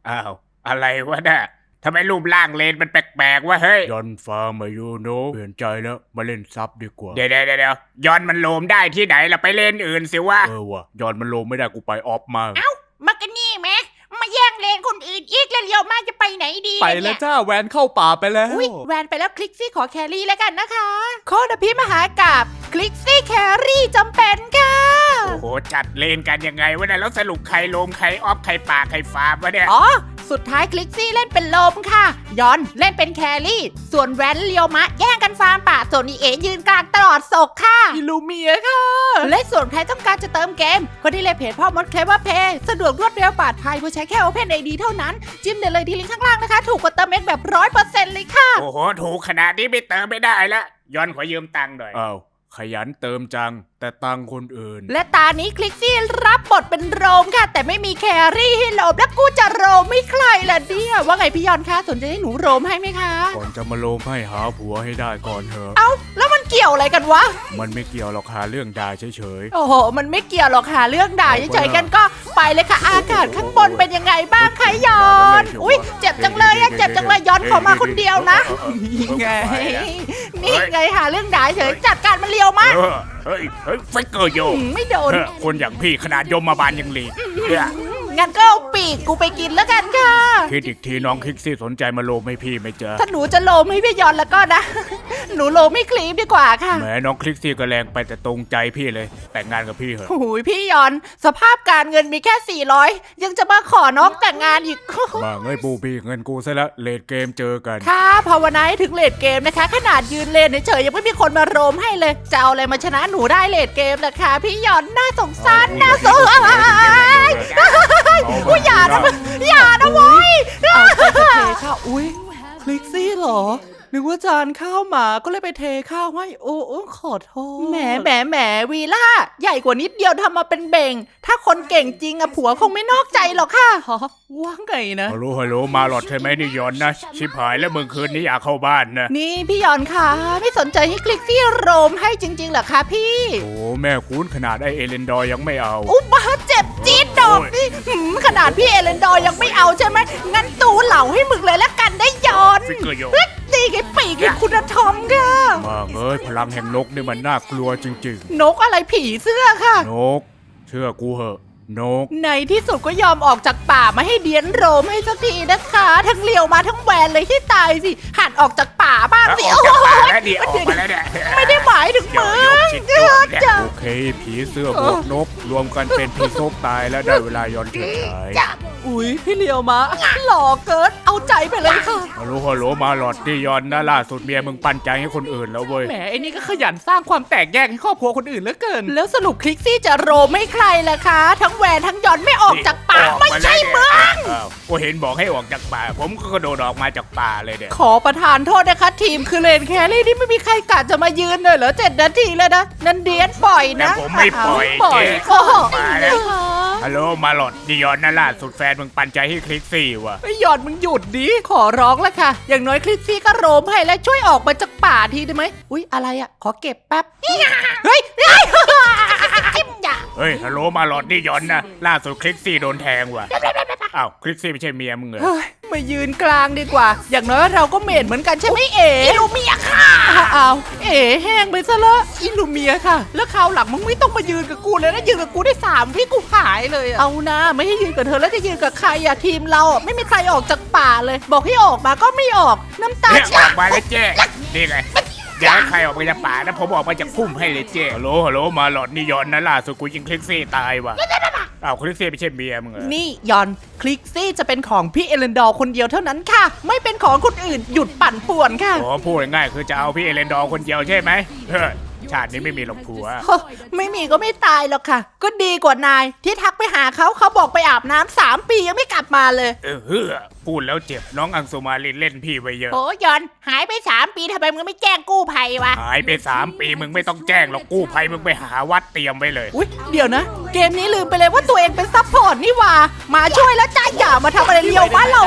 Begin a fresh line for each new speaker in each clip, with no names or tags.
อ้าวอะไรวะเนี่ยทำไมรูปร่างเลนมันแปลกๆวะเฮ้ย
ยอนฟ้ามายูโนเปลี่ยนใจแล้วมาเล่นซับดีกว่า
เดี๋ยวย้อนมันโลมได้ที่ไหนล่ะไปเล่นอื่นสิวะ
ว่ะยอนมันลงไม่ได้กูไปออฟมา
มากันนี่แม่มาแย่งเลนคนอื่นอีกแล้วเลี้ยวมาจะไปไหนดี
ไปแล้วจ้าแวนเข้าป่าไปแล้ว
อุ้ยแวนไปแล้วคลิกซี่ขอแครี่แล้วกันนะคะโคดพี่มหากาบคลิกซี่แครี่จำเป็นค่ะ
โอ้โหจัดเลนกันยังไงวะเนี่ยแล้วสรุปใครโลมใครออฟใครป่าใครฟาร์มวะเนี่ย
อ๋อสุดท้ายคลิกซี่เล่นเป็นลมค่ะยอนเล่นเป็นแครี่ส่วนแวนเลียวมะแย่งกันฟาร์มป่าส่วนอีเอยืนกลางตลอดศกค่ะ
อิลูเมียค่ะ
และส่วนใครต้องการจะเติมเกมก็ที่เลยเพจพ่อมดเคลว่าเพย์สะดวกรวดเร็วปลอดภัยผู้ใช้แค่ Open ID เท่านั้นจิ้มได้เลยที่ลิงก์ข้างล่างนะคะถูกกว่าเติมเองแบบ 100% เลยค่ะ
โอ้โหถูกขนาดนี้ไม่เติมไม่ได้ละย้อนขอยืมตังค์หน่อย
อ้าวขยันเติมจังแต่ตังคนอื่น
และตานี้คลิกซี่รับบทเป็นโรมค่ะ แต่ไม่มีแครี่ให้โรมแล้วกูจะโรมไม่ใครล่ะเนี่ยว่าไงพี่ยอนคะสนใจให้หนูโรมให้ไหมคะ
ก่อนจะมาลงให้หาผัวให้ได้ก่อนเถอะ
เอ้าแล้วมันเกี่ยวอะไรกันวะ
มันไม่เกี่ยวหรอกหาเรื่องด่าเฉย
โอ้โหมันไม่เกี่ยวหรอกค่ะเรื่องด่าเฉยๆกันก็ไปเลยค่ะอากาศข้างบนเป็นยังไงบ้างคะยอนอุ้ยเจ็บจังเลยอะเจ็บจังเลยย้อนขอมาคนเดียวนะ
นี่ไง
นี่ไงหาเรื่องด่าเฉยจัดการมันเลียวมาก
เฮ้ยไฟเกอร์โย
ไม่โดน
คนอย่างพี่ขนาดยมมาบาลยังหลีกเนี่ย
งั้นก็เอาปีกกูไปกินแล้วกันค่ะ
คิดอีกทีน้องคิกซี่สนใจมาลงให้พี่ไหมจ๊ะ
ถ้าหนูจะโลมให้พี่ยอนแล้วก็นะ หนูโลมไม่คลีปดีกว่าค่ะ
แหมน้องคลิกซี่ก็แรงไปแต่ตรงใจพี่เลย แต่งงานกับพี่เถอะ
โอ้ยพี่ยอน สภาพการเงินมีแค่ 400 ยังจะมาขอน้องแต่งงานอีก
มาเงยปูพี่เงินกูซะแล้วเลดเกมเจอกัน
ค่ะภาวนาให้ถึงเลดเกมนะคะ ขนาดยืนเลนเฉยๆยังไม่มีคนมาโรมให้เลย จะเอาอะไรมาชนะหนูได้เลดเกมล่ะคะพี่ยอนน่าสงสารน่าสงสารอุ้ยอย่านะเว้ย
เอาใจจะเทข้าวอุ้ยคลิกซี่เหรอ นึกว่าจานข้าวหมาก็เลยไปเทข้าวให้โอ้ขอโทษ
แหมวีล่าใหญ่กว่านิดเดียวทำมาเป็นเบ่ง ถ้าคนเก่งจริงอะผัวคงไม่นอกใจหรอกค่ะ
ฮะว่าไงนะ
ฮัลโหลมาหลอดใช่ไหมนี่ยอนนะ ชิบหายแล้วมึงคืนนี้อยากเข้าบ้านนะ
นี่พี่ยอนค่ะไม่สนใจให้คลิกซี่โรมให้จริงๆเหรอคะพี่
โอ้แม่คุ้นขนาดไอเอเลนดอร์ยังไม่เอา
อุบ้าเจ็บจี๊ดดอกนี่ขนาดพี่เอเลนดอร์ยังไม่เอาใช่ไหมงั้นตูเหล่าให้มึงเลยละกันได้ยอน
ฟิกเกอร์โย
ตีไอ้ปีกไอ้คุณธรรมค่ะ
มาเอ้ยพลังแห่งนกนี่มันน่ากลัวจริง
นกอะไรผีเสื้อค่ะ
ๆ นก เชื่อกูเหอะ นก
ในที่สุดก็ยอมออกจากป่ามาให้เดียนโรมให้สักทีนะคะ ทั้งเลียวมาทั้งแหวนเลยที่ตายสิหัดออกจากป่าบ้าง
แล้ว
สิ
ออกจากป่าแล้วดิออกมาแล้วเนี่ย
ไม่ได้หมายถึง
เดี๋ยว
มึ
โยก
ง
ชิดตัวเนี่ย
จ้ะ
โอเค ผีเสื้อบวกนก รวมกันเป็นผีโซกตายแล้วได้เวลายอนเฉิดฉาย
อุ๊ยพี่เลียวมะหล่อเกินเอาใจไปเลยค่ะ
ฮัลโหลมาหลอดนี่ยอนนะล่าสุดเมียมึงปันใจให้คนอื่นแล้วเว้ย
แหมไอ้นี่ก็ขยันสร้างความแตกแยกให้ครอบครัวคนอื่นเหลือเกิน
แล้วสรุปคลิกซี่จะโรมไม่ใครล่ะคะ ทั้งแหวนทั้งยอนไม่ออกจากป่า
ออก
ไม่
มา
ใช่
แล้ว
มึง
เนี่ยอ้าวก็เห็นบอกให้ออกจากป่า ผมก็กระโดดออกมาจากป่าเลยเนี่ย
ขอประทานโทษนะคะ ทีมคือเลนแครี่ที่ไม่มีใครกะจะมายืนเลยเหรอ7 นาทีแล้วนะนันเดียนปล่อย
แต่
นะ
ผมไม่ปล่อย
ปล่อย
เจ๊
โอ้โห
มาแล้ว ฮัลโหลมาหลอดนี่ยอนนะล่าสุดแฟนมึงปันใจให้คลิกซี่ว่ะ
ไอ้หยอดมึงหยุดดิ
ขอร้องแล้วค่ะ อย่างน้อยคลิกซี่ก็โรมให้และช่วยออกมาจากป่าทีได้ไหมอุ๊ยอะไรอ่ะขอเก็บแป๊บเฮ้ยจิ้มอย่า
เฮ้ยฮัลโหลมาหลอดนี่ยอนนะล่าสุดคลิกซี่โดนแทงว่ะอ้าวคลิกซี่ไม่ใช่เมียมึงเหรอ
เฮ้ยมายืนกลางดีกว่า อย่างน้อยเราก็เมดเหมือนกันใช่ไหมเอ๋อิลูเมียค่ะอ้าวเอ๋แห้งไปซะละอิลูเมียค่ะ แล้วคราวหลังมึงไม่ต้องมายืนกับกูเลยนะยืนกับกูได้3 วิกูหายเลยอะเอานะไม่ให้ยืนกับเธอแล้วจะยืนกับใครอะทีมเราอะไม่มีใครออกจากป่าเลย บอกให้ออกมาก็ไม่ออกน้ำตา
เนี่ยอ
เชี่ย
อกมาแล้วเจ๊นี่ไงอยากให้ใครออกไปจากป่านะผมออกมาจากพุ่มให้เลยเจ๊ฮัลโหลมาหลอดนี่ยอนนะล่าสุดกูยิงคลิกซี่ตายว่ะอ้าวคลิกซี่ไม่ใช่เมียมึงเหรอ
นี่ยอนคลิกซี่จะเป็นของพี่เอเลนดอร์คนเดียวเท่านั้นค่ะ ไม่เป็นของคนอื่นหยุดปั่นป่วนค่ะ
โอ้พูดง่ายๆคือจะเอาพี่เอเลนดอร์คนเดียวใช่ไหมเฮ้ยชาตินี้ไม่มีหรอกผัว
โอ้ไม่มีก็ไม่ตายหรอกค่ะ ก็ดีกว่านายที่ทักไปหาเขาบอกไปอาบน้ำ3 ปียังไม่กลับมาเลย
เฮ้อพูดแล้วเจ็บน้องอังสุมาลินเล่นพี่ไปเยอะ
โอ้ยอนหายไป3 ปีทำไมมึงไม่แจ้งกู้ภัยวะ
หายไป3 ปีมึงไม่ต้องแจ้งหรอกกู้ภัยมึงไปหาวัดเตรียมไว้เลย
อุ๊ยเดี๋ยวนะ เกมนี้ลืมไปเลยว่าตัวเองเป็นซัพพอร์ตนี่หว่ามาช่วยแล้วจ้าอย่ามาทำอะไรเลียวบ้านเรานะ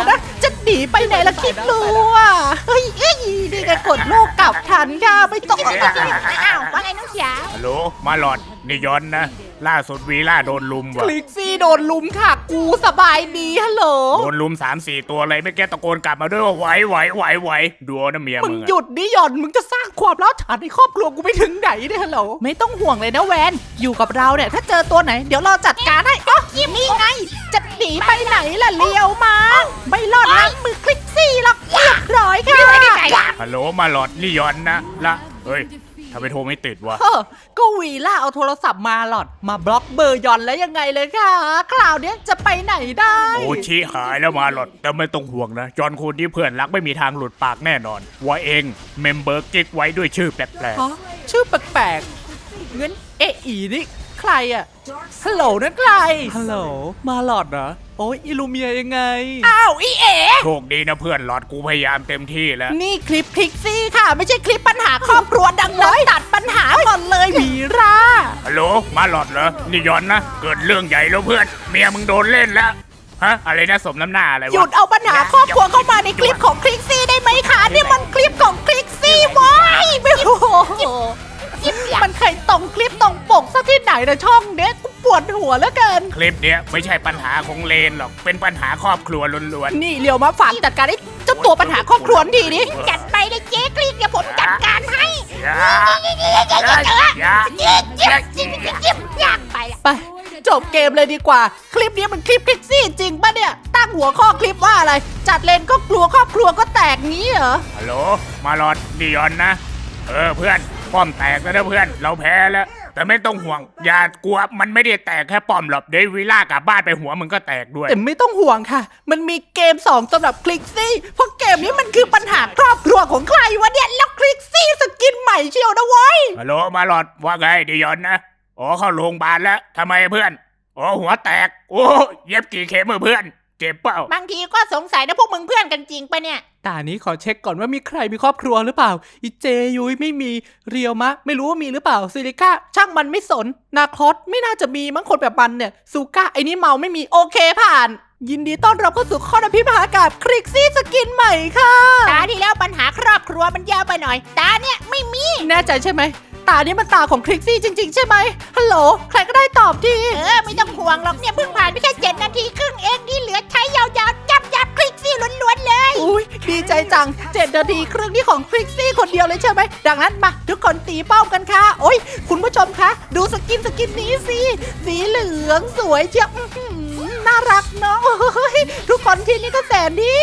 จะหนีไปไหนล่ะคิดดูอ่ะเฮ้ยนี่แกกดโลกกลับทันค่ะไม่ต้อง
อ้าวว่าไงน้องสาว
ฮัลโหลมาหลอดนี่ย้อนนะ ล่าสุดวีล่าโดนลุม
ค
ว่ะ
ลิกซี่โดนลุมค่ะ กูสบายดีฮัลโหล
โดนลุม3-4 ตัวเลยไม่แกตะโกนกลับมาด้วยว่าไหวดูเอานะเมีย
มึ
มึ
ง
ง
หยุดดิหย่อนมึงจะสร้างความร้าวฉานในครอบครัวกูไปถึงไหนเนี่ยฮัลโหลไม่ต้องห่วงเลยนะแวนอยู่กับเราเนี่ยถ้าเจอตัวไหนเดี๋ยวเราจัดการให้อ๋อนี่ไงจะหนีไปไหนล่ะเลี้ยวมาไม่รอดนะมือคลิกซี่หรอกเรียบร้อยค่ะ
ฮัลโหลมาหลอดนี่ย้อนนะละเฮ้ยทำไมโทรไม่ติดวะ
เออก็วีล่าเอาโทรศัพท์มาหลอดมาบล็อกเบอร์หย่อนแล้วยังไงเลยค่ะคราวเนี้ยจะไปไหนได้
โอ้ชี้หายแล้วมาหลอดแต่ไม่ต้องห่วงนะจอนคนที่เพื่อนรักไม่มีทางหลุดปากแน่นอนว่าเองเมมเบอร์กิ๊กไว้ด้วยชื่อแปลก
ฮะชื่อแปลกๆงั้นเออีนี่ใครอะฮัลโหลนั่นใคร
ฮัลโหล มาหลอดเหรอ โอ้ยอิลูเมียยังไง
อ้าวอีเอ๋
โชคดีนะเพื่อนหลอดกูพยายามเต็มที่แล้ว
นี่คลิปพิกซี่ค่ะ ไม่ใช่คลิปปัญหาครอบครัวดังนั้นตัดปัญหาก่อนเลยวีรา
ฮัลโหลมาหลอดเหรอนี่ย้อนนะเกิดเรื่องใหญ่แล้วเพื่อนเมียมึงโดนเล่นแล้วฮะอะไรนะสมน้ำหน้าอะไร
หยุ
วะ
ดเอาปัญหาครอบครัวเข้ามาในคลิปของคลิกซี่ได้ไหมคะนี่มันคลิปของคลิกซี่วายไม่โอ้โหมันเคยตรงคลิปตรงปกซะที่ไหนนะช่องเนี้ยกูปวดหัวเหลือเกิน
คลิปเนี้ยไม่ใช่ปัญหาของเลนหรอกเป็นปัญหาครอบครัวล้วน
นี่เรียวมาฝากจัดการไอ้เจ้าตัวปัญหาครอบครัวทีนี้
จัดไปเลยเจ๊กรีดเดี๋ยวผมจัดการให้
ๆอย่า
อยากไปละ
ไปจบเกมเลยดีกว่า คลิปนี้มันคลิปคลิกซี่จริงปะเนี่ย ตั้งหัวข้อคลิปว่าอะไร จัดเลนก็กลัวครอบครัวก็แตกงี้เหรอ
ฮัลโหลมาหลอดนี่ย้อนนะเพื่อนป้อมแตกแล้วนะเพื่อนเราแพ้แล้วแต่ไม่ต้องห่วงอย่ากลัวมันไม่ได้แตกแค่ป้อมหรอกเดี๋ยววิล่ากลับบ้านไปหัวมึงก็แตกด้วย
แต่ไม่ต้องห่วงค่ะ มันมีเกม 2สำหรับคลิกซี่ เพราะเกมนี้มันคือปัญหาครอบครัวของใครวะเนี่ย แล้วคลิกซี่สกินใหม่เชียวนะเว้ย
ฮัลโหลมาหลอดว่าไงดิยอนนะอ๋อเข้าโรงพยาบาลแล้วทำไมเพื่อนอ๋อหัวแตกโอ้เย็บกี่เข็มเพื่อนเจ็บเปล่า
บางทีก็สงสัยนะพวกมึงเพื่อนกันจริงปะเนี่ย
ตานี้ขอเช็คก่อนว่ามีใครมีครอบครัวหรือเปล่า อีเจยุ้ยไม่มี เรียวมะ ไม่รู้ว่ามีหรือเปล่า ซิลิก้าช่างมันไม่สน นาคอสไม่น่าจะมีมั้งคนแบบมันเนี่ย ซูก้าไอ้นี่เมาไม่มี
โอเคผ่าน ยินดีต้อนรับเข้าสู่ข้ออภิมหากับคลิกซี่สกินใหม่ค่ะ
ตาที่แล้วปัญหาครอบครัวมันยาวไปหน่อย ตาเนี่ยไม่มี
แน่ใจใช่ไหม ตานี้มันตาของคลิกซี่จริง ๆ ใช่ไหมฮัลโหล ใครก็ได้ตอบที
ไม่ต้องห่วงหรอกเนี่ยเพิ่งผ่านไปแค่7 นาทีครึ่งเองที่เหลือใช้ยาวๆยับคลิกซี่ล้วนๆเลย
อุ้ยดีใจจัง7 นาทีครึ่งนี่ของคลิกซี่คนเดียวเลยใช่ไหม ดังนั้นมาทุกคนตีเป้ากันค่ะ โอ้ย คุณผู้ชมคะ ดูสกินนี้สิ สีเหลืองสวยเชียวอื้อหือน่ารักเนาะโอ้ยทุกคนที่นี่ก็แสนดี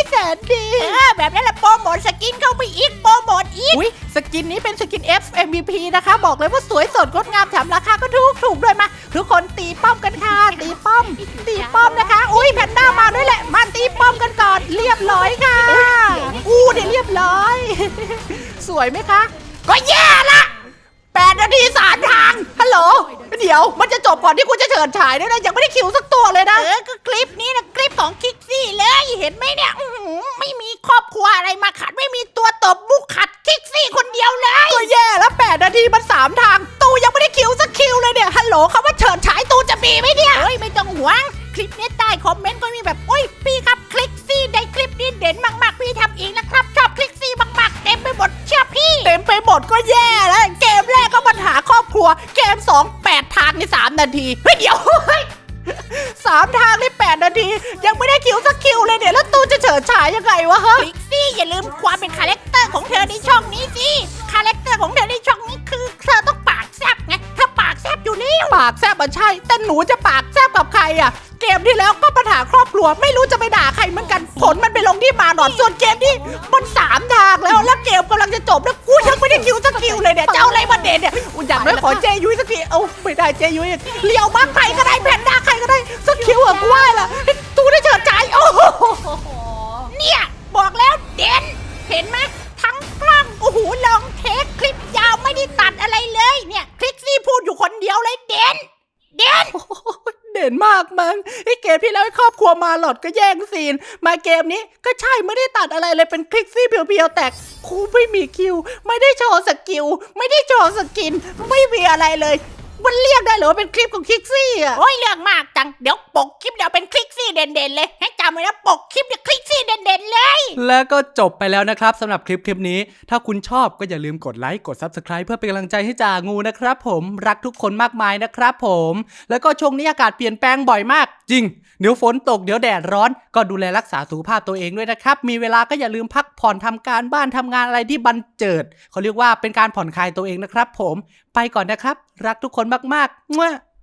แบบนั้นแหละโปรโมทสกินเข้าไปอีกโปรโมทอีก
อุ้ยสกินนี้เป็นสกิน F MVP นะคะ บอกเลยว่าสวยสดงดงามแถมราคาก็ถูกด้วยมา ทุกคนตีป้อมกันค่ะ ตีป้อมนะคะ อุ้ยแพนด้ามาด้วยแหละ มาตีป้อมกันก่อน เรียบร้อยค่ะอู้เดี๋ยวเรียบร้อย สวยไหมคะ ก็แย่ละ8 นาที3 ทาง ฮัลโหล เดี๋ยวมันจะจบก่อนที่คุณจะเฉิดฉายด้วยนะ ยังไม่ได้คิวสักตัวเลยนะ
ก็คลิปนี้นะคลิปของคิกซี่เลยเห็นไหมเนี่ยไม่มีครอบครัวอะไรมาขัดไม่มีตัวตบมุกขัดคิกซี่คนเดียวเลย
ก็แย่แล้ว8 นาทีมัน3 ทาง ตูยังไม่ได้คิวสักคิวเลยเนี่ย ฮัลโหลคำว่าเฉิดฉายตูจะมีไหมเนี่ย
เฮ้ยไม่ต้องห่วงคลิปนี้ใต้คอมเมนต์ก็มีแบบโอ้ยพี่ครับคลิกซี่ในคลิปนี้เด่นมากๆพี่ทำเองนะครับชอบคลิกซี่มากๆเต็มไปหมดเชื่อพี่
เต็มไปหมดก็แย่แล้ว เกมแรกก็ปัญหาครอบครัว เกม 2 8 ทางใน3 นาทีเฮ้ยเดี๋ยว 3 ทางใน8 นาที ยังไม่ได้คิวสักคิวเลยเนี่ย แล้วตูจะเฉิดฉายยังไงวะฮะ
คลิกซี่อย่าลืมความเป็นคาแรคเตอร์ของเธอในช่องนี้สิคาแรคเตอร์ของเธอในช่องนี้คือเธอต้องปากแซบไงเธอปากแซบอยู่นี่
ปากแซบมันใช่ แต่หนูจะปากแซบกับใครอ่ะ เกมที่แล้วก็ปัญหาครอบครัว ไม่รู้จะไปด่าใครเหมือนกัน ผลมันไปลงที่มาหนอนส่วนเกมนี้มัน3 ทางแล้วเกมกำลังจะจบแล้วกูยังไม่ได้คิวสักคิวเลยเนี่ย เจ้าอะไรมาเด่นเนี่ยอย่างน้อยขอเจยุ้ยสักทีเอ้าไม่ได้เจยุ้ยเลี้ยวบ้างใครก็ได้แพนด้าใครก็ได้สักคิวอะกูว่าล่ะตูได้เฉิดฉายโอ้โห
เนี่ยบอกแล้วเด่นเห็นไหมทั้งกล้องโอ้โหลองเทคคลิปยาวไม่ได้ตัดอะไรเลยเนี่ยคลิกซี่พูดอยู่คนเดียวเลยเด่น
เด่นมากมั้งไอ้เกมที่แล้วไอ้ครอบครัวมาหลอดก็แย่งซีน มาเกมนี้ก็ใช่ไม่ได้ตัดอะไรเลยเป็นคลิกซี่เพียวๆแต่ครูไม่มีคิว ไม่ได้โชว์สกิล ไม่ได้โชว์สกิน ไม่มีอะไรเลยมันเรียกได้เหรอว่าเป็นคลิปของคิกซี่อ่ะ
โอ้ยเรื่องมากจังเดี๋ยวปกคลิปเดี๋ยวเป็นคลิกซี่เด่นๆเลยให้จำไว้นะปกคลิปเนี่ยคลิกซี่เด่นๆเลย
แล้วก็จบไปแล้วนะครับสำหรับคลิปนี้ถ้าคุณชอบก็อย่าลืมกดไลค์กด Subscribe เพื่อเป็นกำลังใจให้จ่างูนะครับผมรักทุกคนมากมายนะครับผมแล้วก็ช่วงนี้อากาศเปลี่ยนแปลงบ่อยมากจริงเดี๋ยวฝนตกเดี๋ยวแดดร้อนก็ดูแลรักษาสุขภาพตัวเองด้วยนะครับมีเวลาก็อย่าลืมพักผ่อนทำการบ้านทำงานอะไรที่บันเจิดเขาเรียกว่าเป็นการผ่อนคลายตัวเองนะครับผมไปก่อนนะครับรักทุกคนมากๆ